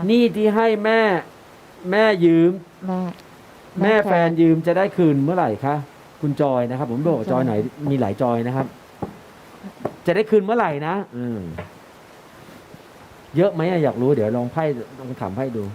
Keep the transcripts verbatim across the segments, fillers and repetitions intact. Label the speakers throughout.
Speaker 1: นี่ที่ให้แม่แม่ยืม
Speaker 2: แม่
Speaker 1: แม่แฟนยืมจะได้คืนเมื่อไหร่คะคุณจอยนะครับ ผมบอกจอยไหนมีหลายจอยนะครับ จะได้คืนเมื่อไหร่นะอืมเยอะไหมอะอยากรู้เดี๋ยวลองไพ่ลองถามไพ่ดู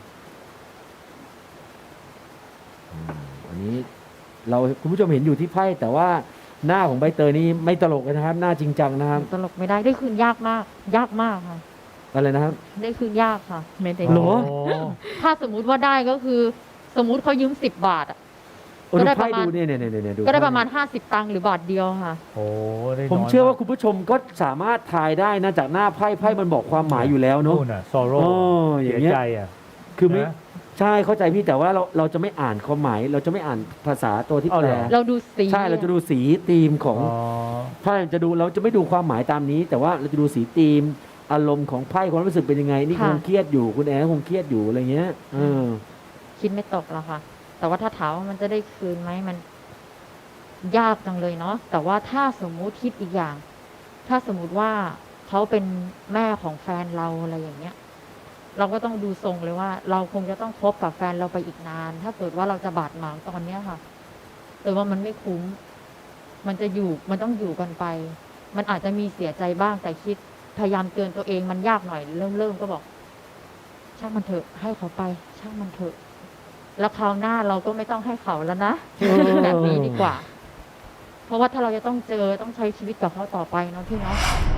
Speaker 1: อืมอันนี้ เราคุณผู้ชมเห็นอยู่ที่ไพ่แต่ว่าหน้าของใบเตยนี่ไม่ตลกเลยนะครับ หน้าจริงจังนะครับ
Speaker 2: ตลกไม่ได้ได้คืนยากมาก ยากมากค่ะ
Speaker 1: อะไรนะครับ
Speaker 2: ได้คืนยากค่ะ
Speaker 3: ไม่ได้
Speaker 1: เหรอ
Speaker 2: ถ้าสมมุติว่าได้ก็คือ สมมุติเขายืมสิบบาทอะ
Speaker 1: โอ้
Speaker 2: ก็
Speaker 1: ดู
Speaker 2: ได้ป
Speaker 1: ไพ่
Speaker 2: ระมาณ
Speaker 1: ดูเนี่ยเนี่ยเนี่ยเนี่ยดู
Speaker 2: ก็ได้ประมาณห้าสิบตังค์หรือบาทเดียวค่ะ
Speaker 3: โอ้ได้
Speaker 1: ผม
Speaker 3: น้ย
Speaker 1: เชื่อว่าคุณผู้ชมก็สามารถทายได้นะจากหน้าไพ่ไพ่มันบอกความหมายอยู่แล้วเนอะ
Speaker 3: นู่นน่ะ sorrow
Speaker 1: อ๋ออ
Speaker 3: เสี
Speaker 1: ย่าย งเงี้ย
Speaker 3: ใจอ่ะ
Speaker 1: คือไม่
Speaker 3: นะ
Speaker 1: ใช่เข้าใจพี่แต่ว่าเราเราจะไม่อ่านความหมาย เราจะไม่อ่านภาษาตัวที่
Speaker 3: เอา
Speaker 1: แป
Speaker 3: เห
Speaker 1: ล
Speaker 3: รอ
Speaker 2: เราดูสี
Speaker 1: ใช่เราจะดูสีธีมของ
Speaker 3: อ๋อ
Speaker 1: ไพ่จะดูเราจะไม่ดูความหมายตามนี้ แต่ว่าเราจะดูสีธีม อารมณ์ของไพ่ความรู้สึกเป็นยังไง นี่คงเครียดอยู่คุณแอนคงเครียดอยู่อะไรเงี้ยเออ
Speaker 2: คิดไม่ตกแล้วค่ะ แต่ว่าถ้าถามว่ามันจะได้คืนไหมมัน ยากจังเลยเนาะแต่ว่าถ้าสมมุติคิดอีกอย่าง ถ้าสมมุติว่าเขาเป็นแม่ของแฟนเราอะไรอย่างเงี้ย เราก็ต้องดูทรงเลยว่า เราคงจะต้องคบกับแฟนเราไปอีกนาน ถ้าเกิดว่าเราจะบาดหมางตอนเนี้ยค่ะ แต่ว่ามันไม่คุ้ม มันจะอยู่มันต้องอยู่กันไป มันอาจจะมีเสียใจบ้างแต่คิดพยายามเตือนตัวเองมันยากหน่อย เริ่มเริ่มก็บอก ช่างมันเถอะ ให้เขาไป ช่างมันเถอะ แล้วคราวหน้าเราก็ไม่ต้องให้เขาแล้วนะ
Speaker 1: เออ
Speaker 2: แบบนี้ดีกว่า เพราะว่าถ้าเราจะต้องเจอต้องใช้ชีวิตกับเขาต่อไปเนาะพี่เนาะ